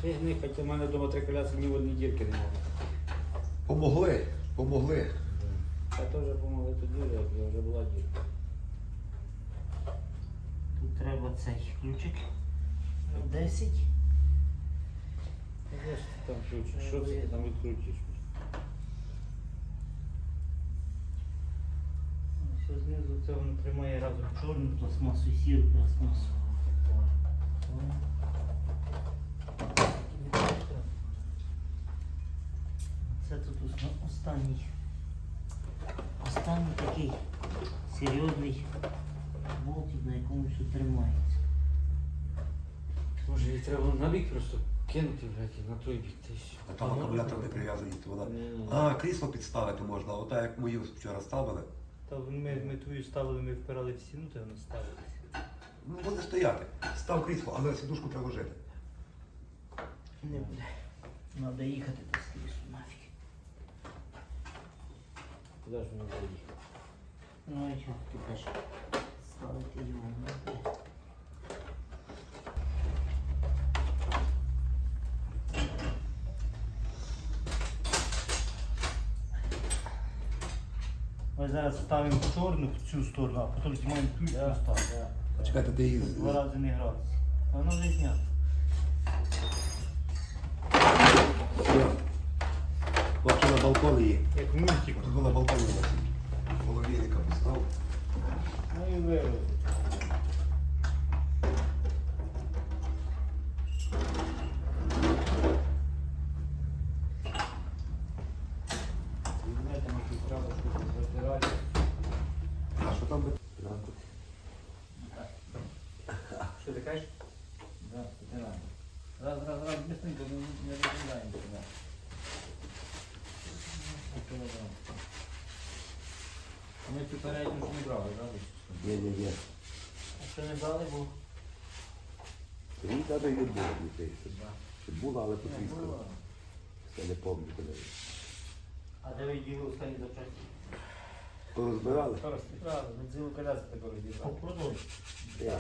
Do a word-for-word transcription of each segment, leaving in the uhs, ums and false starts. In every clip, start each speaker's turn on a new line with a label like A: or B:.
A: Тягни, хоча в мене вдома три коляски, ні в одній дірки немає.
B: Помогли, помогли.
A: Я теж допомогли тоді, як вже була дірка.
C: Тут треба цей ключик. десять.
A: Де ж ти там ключиш? Що це ти там відкрутиш?
C: Все знизу це воно тримає разом чорну пластмасу і сіру пластмасу. Це тут ос- останній. Останній такий серйозний болтик, на якому все тримається.
A: Може, її треба на бік просто кинути, блядь, на той бік ти ще.
B: А там акумулятор не прив'язаний, то вона.
A: Ні-ні.
B: А, крісло підставити можна, ота як мою вчора ставили.
C: Та ми, ми твою ставили, ми впирали в стіну, то воно ставилося.
B: Ну, буде стояти. Став крісло, але сідушку треба ложити.
C: Не буде. Треба їхати до скрізу нафіг.
A: Куди ж мені заїхати?
C: Ну і чого ти теж ставити його не буде. Ми зараз ставимо чорну в цю сторону, а потім знімаємо ту і цю ставимо.
B: А чекайте, ти її.
C: Два рази не гратися. Воно вже знято.
B: Все. Бачу на балкон її.
A: Як мультик.
B: Тут була балкон у нас. Половинника поставив.
A: Ну і вирвати. Візьмете якусь треба щось затирати.
B: А що там би?
A: Що ти кажеш?
C: Да, затираємо. Раз, раз, раз, быстренько, не, не розглядаємо сюди.
A: А ми цю передню ж не брали, правда?
B: Ні, ні, ні.
C: А що не брали, бо
B: Він навіть і не було дітей. Чи було, але потріскало. Все не пам'ятаю.
C: А де ви діли останні запчасті?
B: Порозбирали?
A: Правда, ми цілу коляску таку розібрали.
C: Продовж.
B: Я.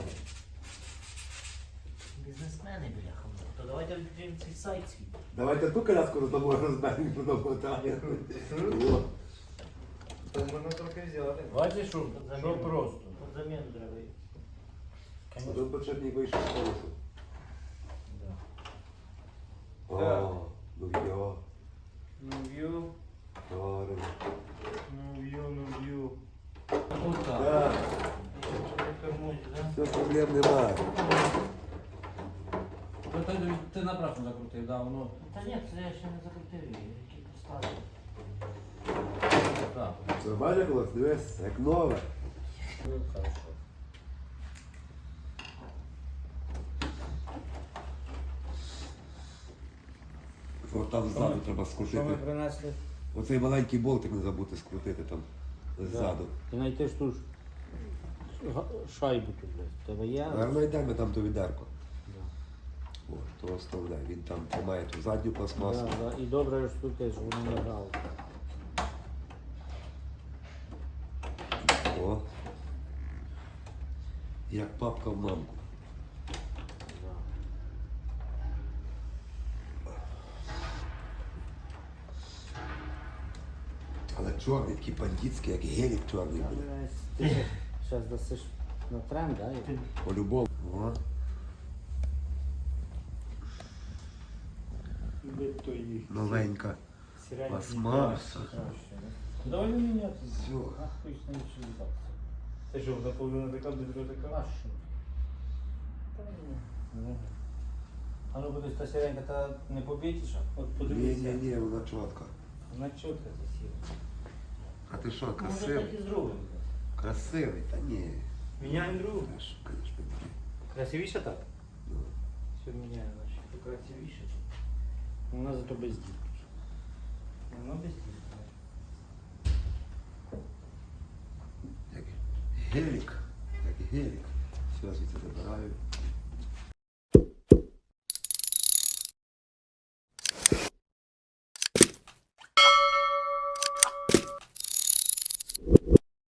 C: Бізнесмени, бляха. То давайте відкриємо цей сайт свій.
B: Давайте ту коляску роздамо, розберемо і продамо так. О.
A: То можна трохи взяти. Бачиш, що, що просто.
C: От заміну треба.
B: Один почетник вийшов з колесу.
A: Да.
B: О, ну йо.
A: Ну в'ю,
B: Гарно.
A: ну в'ю, ну в'ю. Ну так.
B: Так,
C: Тепер можна, да?
B: все, проблем немає.
A: Ну, Ти, ти напрасно закрутив, да, воно.
C: Та ні, це я ще не закрутив її, які поставили.
A: Так.
B: Нормально колес? Дивись, як нове.
A: Ну, хорошо.
B: О, там ззаду треба
A: Що ми
B: скрутити.
A: принесли?
B: Оцей маленький болтик не забути скрутити там ззаду.
A: Ти знайти ж ту ж га- шайбу тут, блядь. Тебе є?
B: Гарно йдемо там до відерко.
A: Да.
B: О, то оставляй. Він там тримає ту задню пластмасу.
A: Да, да. І добре ж тут теж, воно не грало.
B: О. Як папка в мамку.
A: Да.
B: Але чорний, такий бандитський, як гелік чорний буде.
A: Ти зараз дасиш на тренд, да? і-
B: По-любому. О. Новенька пластмаса.
A: Довольно міняти.
B: Все.
A: А хоч на іншу редакцію. Це що, заповнена така, друга така? А що? Та ні. А ну буде та сіренька, та не побітіша? От
B: Ні,
A: подивися.
B: ні, ні, вона чітка.
A: Вона чітка засіла.
B: А ти що,
C: Може
B: красивий?
C: так і зробимо.
B: Красивий? Та ні.
A: Міняємо другу.
B: Та що, конечно, ні.
A: Красивіше так?
B: Ну.
A: Все міняємо, значить. Красивіше. Вона зато без дітки. Вона без дітки.
B: Як гелік. Як гелік. Все, звідси забираю.